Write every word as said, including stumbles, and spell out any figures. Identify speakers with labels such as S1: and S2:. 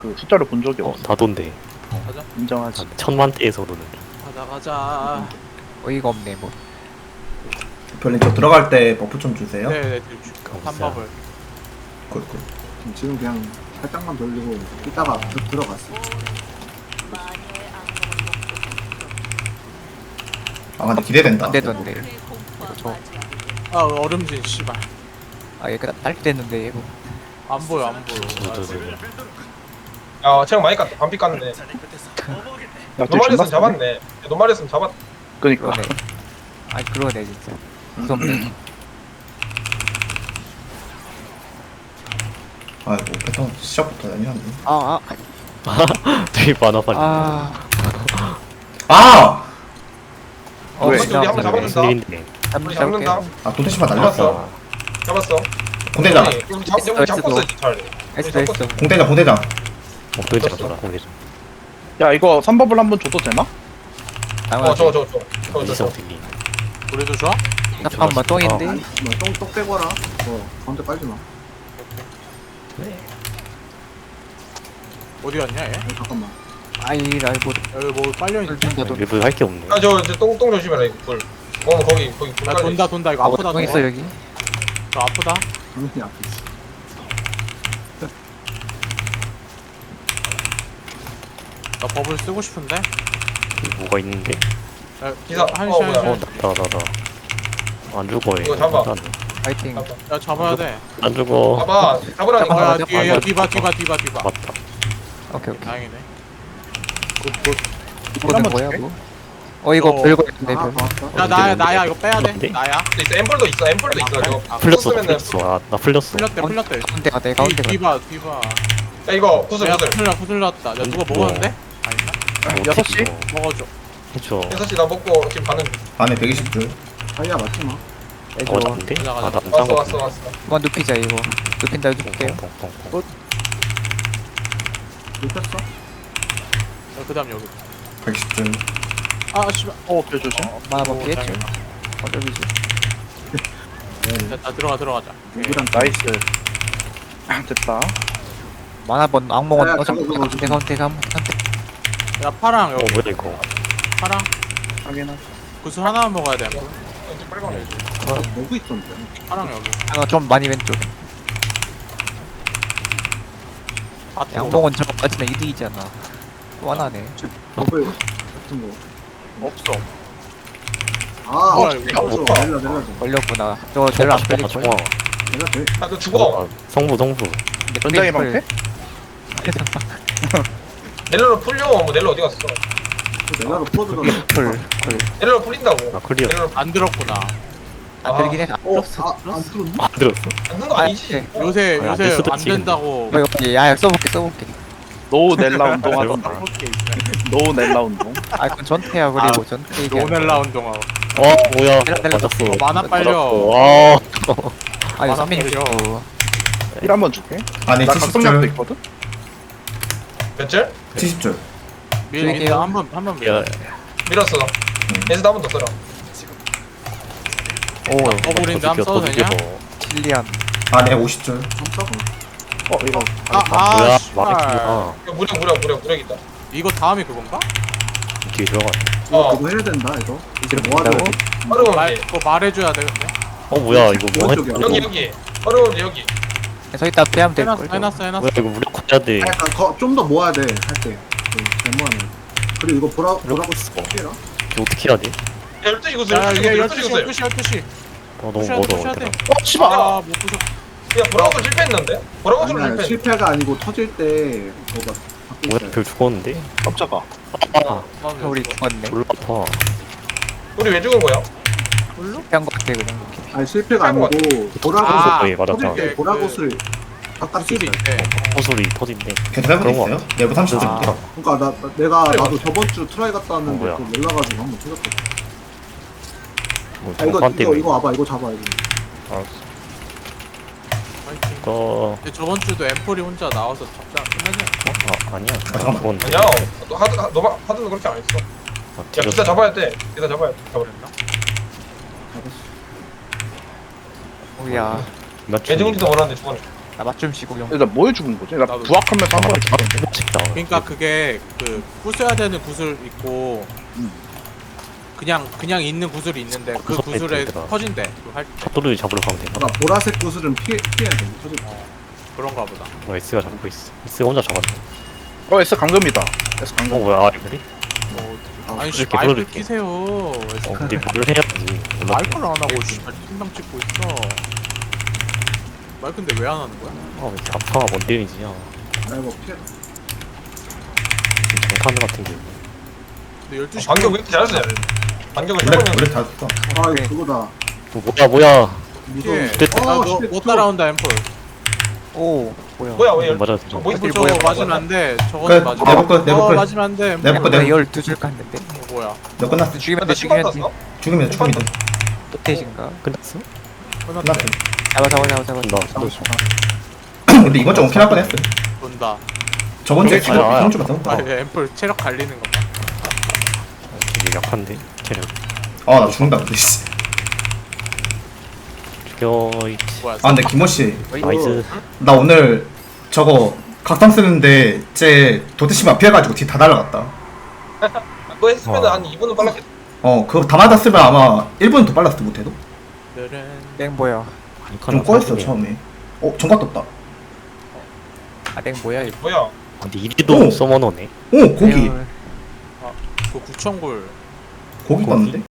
S1: 그 숫자를 본 적이
S2: 어,
S1: 없어.
S2: 나돈데.
S3: 가자.
S1: 인정하지.
S2: 천만대에서로는.
S3: 가자 가자.
S4: 어이가 없네 뭐.
S5: 별님 저 들어갈 때 버프 좀 주세요.
S3: 네네. 한 법을.
S5: 굿, 굿.
S6: 지금 그냥 살짝만 돌리고 이따가 들- 들어갔어.
S5: 아 근데 기대된다.
S4: 안 되던데. 저,
S3: 아 얼음진 씨발.
S4: 아 얘가 딸기 됐는데 이거.
S3: 안 보여 안 보여.
S2: 저, 저, 저.
S7: 야 체력 많이 깠다. 반피 깠네.
S1: 야, 쟤 존나
S7: 노말이었으면
S1: 세네.
S7: 잡았네. 노말이었으면 잡았.
S1: 그니까.
S4: 그러네. 아니 그러네 진짜. 무섭네.
S5: 아이고 패턴 시작부터 아니었네.
S4: 아
S2: 되게 많아 빨리.
S4: 아. 아.
S5: 아!
S4: 어,
S1: 왜?
S7: 우리 한번 잡아준다.
S2: 무슨 일인데?
S7: 우리 잡는다.
S5: 아 도대체만 날렸어.
S7: 잡았어.
S5: 공대장.
S7: 우리 우리 잡 우리 잡고 있어 차라리.
S4: 했어 했어.
S5: 공대장 공대장.
S2: 어, 도대체 돌아 공개죠.
S1: 야, 이거 삼 법을 한번 줘도 되나?
S7: 어 저거 저거 저거. 저거
S2: 어디서
S7: 저거.
S2: 어떻게?
S3: 우리도 좋아?
S4: 잠깐만 똥인데.
S6: 아니, 뭐똥똑 빼거라. 어, 가운데 빨지 마.
S3: 어디 갔냐 얘?
S6: 아니, 잠깐만.
S4: 아이 라이브.
S3: 여기 뭐 빨려 있는.
S4: 준다도.
S2: 일부 할게 없네.
S7: 아저 똥똥 조심해라 이거 불. 어 거기 거기 불
S3: 야
S7: 깔려.
S3: 돈다 돈다 이거 아프다.
S4: 똥
S3: 저거.
S4: 있어 여기.
S3: 저 아프다.
S6: 당연히 아프지.
S3: 나 법을 쓰고 싶은데.
S2: 여기 뭐가 있는데?
S3: 야,
S7: 기사.
S3: 한시
S7: 어,
S3: 한시.
S7: 뭐야.
S2: 어, 나다 나다. 안 죽어 얘.
S7: 이거 잡아.
S4: 파이팅.
S7: 잡아.
S3: 야 잡아야 돼.
S2: 안 죽어.
S7: 봐봐. 잡으라니까.
S3: 야
S4: 잡아,
S3: 뒤에 야
S2: 잡아.
S3: 뒤봐 뒤봐 뒤봐 뒤봐.
S2: 맞다.
S4: 오케이 오케이.
S3: 다행이네.
S4: 이거는
S1: 한번
S4: 뭐야
S1: 줄게.
S4: 뭐? 어 이거
S3: 어.
S4: 별거 있는데
S6: 아,
S4: 별.
S6: 봤어?
S3: 야 나야 나야 이거 빼야 돼.
S2: 뭔데?
S3: 나야.
S7: 있어 앰플도 있어. 앰플도 있어. 이거.
S3: 아,
S2: 풀렸어
S7: 풀었으면은-
S2: 풀렸어. 아, 나 풀렸어.
S3: 풀렸대 풀렸대.
S4: 가운데 가대
S3: 뒤,
S4: 가운데 가.
S3: 뒤봐 뒤봐.
S7: 야 이거 구슬
S3: 야
S7: 구슬.
S3: 풀렸 풀렸다. 야 누가
S2: 뭐.
S3: 먹었는데? 아닌가?
S2: 뭐
S1: 여섯 시?
S2: 어떻게 이거
S3: 먹어줘.
S2: 해줘.
S7: 여섯 시 나 먹고 지금 가는.
S5: 안에 백이십 줄.
S6: 다이아 맞지 마.
S4: 해줘.
S2: 어, 난데?
S3: 가자,
S2: 아,
S3: 가자.
S2: 나안
S7: 왔어
S2: 거
S7: 왔어 왔어.
S4: 그만 눕히자 이거. 눕힌다 해줄게요.
S6: 눕혔어?
S3: 야, 그다음 여기.
S5: 백이십 줄.
S3: 아 씨발.
S1: 어, 별 조심.
S4: 엄마 한번
S3: 오,
S4: 피했죠.
S3: 다행이다.
S4: 어쩌비지.
S3: 됐다 들어가 들어가자.
S6: 누구랑
S1: 나이스. 됐다.
S4: 만화번 악몽은
S6: 야,
S4: 어
S6: 그거, 그거,
S4: 잠깐 선택 선택 한번 선택.
S3: 야 파랑
S2: 어
S3: 여기.
S2: 뭐야 이거?
S3: 파랑.
S1: 확인하.
S3: 구슬 하나만 먹어야 돼.
S7: 이제 빨리 가네.
S6: 먹고 있던데.
S3: 파랑 여기.
S4: 아, 좀 많이 왼쪽.
S3: 아,
S4: 양봉은 저거 빠지면 이득이잖아. 또 하나네.
S6: 버블 같은 거.
S1: 없어.
S6: 아,
S3: 뭐야,
S6: 어,
S3: 이거.
S6: 어, 저, 내려, 내려, 줘.
S4: 걸렸구나. 저거 별로 안
S2: 아,
S4: 걸릴
S2: 좋아.
S4: 거야.
S6: 내가 돼.
S7: 아너 죽어.
S2: 아, 성부 성부.
S1: 전장의 방패?
S7: 넬로로 풀려. 뭐 넬로 어디 갔어?
S6: 내가로 풀어주던데.
S4: 풀, 풀.
S7: 넬로로 풀린다고.
S2: 아 클리어.
S7: 넬로로
S3: 안 들었구나.
S4: 안 들긴 해. 안
S6: 어,
S4: 들었어.
S6: 아, 안 들었니?
S2: 안 들었어.
S7: 안는 거
S4: 아,
S7: 아니지?
S4: 네.
S3: 요새
S2: 아,
S3: 요새
S2: 뉴스도
S3: 안
S2: 찍은데.
S3: 된다고.
S4: 어, 이거 야 써볼게 써볼게.
S1: 노 넬라 운동
S2: 잘
S1: 하던데.
S2: 본다.
S1: 노 넬라 운동.
S4: 아 그건 전태야 그리고 전태 얘기.
S3: 노넬라 운동하고.
S2: 어 뭐야?
S4: 내가- 내가
S2: 맞았어.
S3: 어, 만화 빨려.
S2: 와.
S4: 아 이거
S3: 아,
S4: 삼민이
S3: 빨려.
S4: 줘.
S1: 일 한번 줄게.
S5: 안에
S1: 나
S5: 칠십
S1: 각성약도
S5: 줄.
S1: 있거든?
S7: 몇 줄?
S5: 칠십 줄.
S3: 밀
S4: 줄게요.
S3: 밀 한번 한번 밀.
S2: 야,
S7: 밀었어. 에스도 한번 더 써라.
S4: 오
S3: 버블인데 한번 써도 되냐?
S4: 칠리안.
S5: 안에 오십 줄.
S6: 좀 써봐.
S1: 어, 이거.
S3: 아, 아,
S2: 뭐야?
S3: 씨발.
S2: 망했구나.
S7: 이거 무력 무력 무력 무력 있다.
S3: 이거 다음이 그건가?
S2: 뒤에 들어가.
S6: 이거
S7: 어.
S6: 그거 해야 된다, 이거. 이제
S4: 이렇게
S6: 뭐 하자고?
S4: 된다고?
S7: 어려운
S3: 말,
S7: 게
S3: 그거 말해줘야 돼 근데.
S2: 어 뭐야 이거 뭐 했?
S6: 오른쪽이야.
S7: 여기 여기 어려운 게 여기.
S4: 저기다 빼면 될
S3: 해놨어
S4: 걸.
S3: 해놨어 해놨어.
S2: 뭐야 이거 무력화해야 돼.
S6: 약간 좀 더 모아야 돼, 할 때. 그, 데모하는. 그리고 이거 보라, 보라고
S2: 무력화
S6: 피해라.
S2: 이거 어떻게 해야 돼?
S7: 열두 시 구슬
S3: 야
S7: 열두 시
S3: 이게
S7: 구슬
S3: 열두
S7: 열두
S3: 시
S7: 시 구슬.
S3: 열두 시 열두 시.
S2: 어 너무
S3: 푸셔야 돼
S2: 멀어.
S3: 푸셔야 돼.
S2: 얘들아.
S1: 어, 씨발!
S3: 아못 부셔.
S7: 야 보라고 실패했는데? 보라고
S6: 아니야,
S7: 실패했는데?
S6: 실패가 아니고 터질 때, 뭐가 바뀌어
S2: 뭐야
S6: 있어요.
S2: 별 죽었는데?
S1: 깜짝아.
S2: 아
S4: 우리 죽었네.
S2: 졸라 아파.
S7: 우리 왜 죽은 거야?
S4: 피한 거 같아 그냥.
S6: 아니, 실패가
S7: 실패한 거
S6: 아니고, 보라고,
S3: 아,
S2: 거의 맞았다.
S6: 터질 때
S3: 그-
S6: 보라고슬 바깥에
S3: 수술이
S6: 있어요.
S3: 있대.
S2: 호소리 터진대.
S5: 걔도 해본 적
S2: 그런 거
S5: 있어요? 내부 삼십 줄.
S2: 아.
S6: 그러니까 나, 나- 내가 나도 저번 주 트라이 갔다
S2: 어,
S6: 왔는데
S2: 뭐야.
S6: 그거 몰라가지고 한번 터졌거든.
S2: 뭐
S6: 아 이거
S2: 정관
S6: 이거
S2: 때문에.
S6: 이거 와봐 이거 잡아 이거.
S2: 알았어.
S3: 파이팅.
S2: 이거
S3: 근데 저번 주도 엠폴이 혼자 나와서 잡자 끝나지 않았어?
S2: 아 아니야.
S5: 아, 잠깐만.
S2: 죽었는데.
S7: 아니야. 너 하드 하- 너가 하드는 그렇게 안 했어.
S2: 아,
S7: 야
S2: 뒤졌어.
S7: 기사 잡아야 돼. 기사 잡아야 돼. 잡아라.
S3: 그랬나?
S6: 잡았어.
S4: 오야.
S2: 몇
S7: 개중지도 원하는데 죽었네.
S4: 나 맞춤 시구용.
S1: 일단 뭐에 죽은 거지? 나
S3: 나도.
S1: 부학하면서 한 번에 죽었는데.
S2: 아, 찍다.
S3: 그러니까 그게 그 부숴야 되는 구슬 있고
S1: 음.
S3: 그냥 그냥 있는 구슬이 있는데 그
S2: 구석
S3: 구슬에
S2: 뺐더라.
S3: 터진대. 그거 할 때.
S2: 샷도를 잡으러 가면 되나?
S6: 그러니까 보라색 구슬은 피해 피해야 돼. 터질 거.
S3: 그런가 보다.
S2: 어, S가 잡고 있어. S가 혼자 잡았네.
S1: 어 S 강금이다. S
S2: 어,
S1: 강금.
S2: 뭐야, 아, 그래?
S3: 뭐 아니 씨
S2: 이렇게
S3: 마이크
S2: 불러줄게.
S3: 키세요.
S2: 어, 근데 뭘 해야지. 몰라.
S3: 마이크를 안 하고 씨발 팀당 찍고 있어. 마이크인데 왜 안 하는 거야?
S2: 아, 왜 아파가 뭔 데미지야.
S6: 나 이거 피해.
S2: 정탄 같은 게.
S3: 근데 열두 시
S7: 반격 왜 이렇게 잘하시냐? 반격을
S5: 원래
S7: 해보면
S5: 원래 다 써.
S6: 아
S4: 오케이.
S6: 이거 그거다.
S2: 뭐, 뭐야, 뭐야.
S6: 무서워.
S3: 피해.
S2: 됐다.
S3: 아,
S6: 어,
S3: 너,
S6: 쉣,
S3: 못 따라온다 앰플.
S4: 오 뭐야?
S7: 뭐야 왜
S2: 맞아.
S7: 저 뭐,
S3: 앰플
S4: 어디
S3: 저거
S4: 뭐야,
S3: 맞으면 안 돼.
S5: 끝.
S3: 저거는 맞으면
S5: 내버 끝, 내버
S3: 어,
S5: 끝.
S3: 맞으면 안 돼. 앰플.
S5: 내버 끝,
S4: 내가
S5: 내버
S4: 열두 줄 깠는데.
S3: 어, 뭐야?
S5: 너 끝났어.
S4: 죽이면
S7: 나
S4: 돼
S7: 신발
S4: 죽이면 돼.
S7: 땄어?
S5: 죽으면 돼, 죽으면 돼.
S4: 끝에신가?
S2: 끝났어?
S3: 끝났대.
S5: 끝났어.
S4: 잡아 잡아 잡아 잡아.
S2: 나,
S4: 잡아,
S2: 나도
S4: 잡아.
S5: 근데 이번 주 오긴 할 뻔했어.
S3: 본다.
S5: 저번 주에
S2: 아니,
S5: 지금
S2: 아니,
S5: 이번 주 같은
S3: 아,
S5: 거.
S3: 얘 앰플 체력 갈리는 거 봐.
S2: 되게 약한데? 체력.
S5: 아, 나 죽는다 근데. 씨.
S2: 죽여, 이
S3: 뭐야?
S5: 아, 근데 김호 씨,
S2: 나이스.
S5: 나 오늘 저거 각성 쓰는데 쟤 도대체만 피해가지고 뒤 다 날아갔다.
S7: 그거 했으면
S2: 와.
S7: 한 이 분은 빨랐겠다.
S5: 어, 그거 다 맞았으면 아마 일 분 더 빨랐을 듯 못해도.
S3: 오늘은
S4: 땡 뭐야?
S5: 좀 꼬였어 처음에. 어, 정각 떴다.
S4: 아땡 뭐야 이거?
S7: 뭐야?
S2: 근데 이리도
S5: 오.
S2: 서머너네.
S5: 오, 고기.
S4: 에휴,
S3: 그 구천골
S5: 고기
S2: 고기?
S5: 떴는데?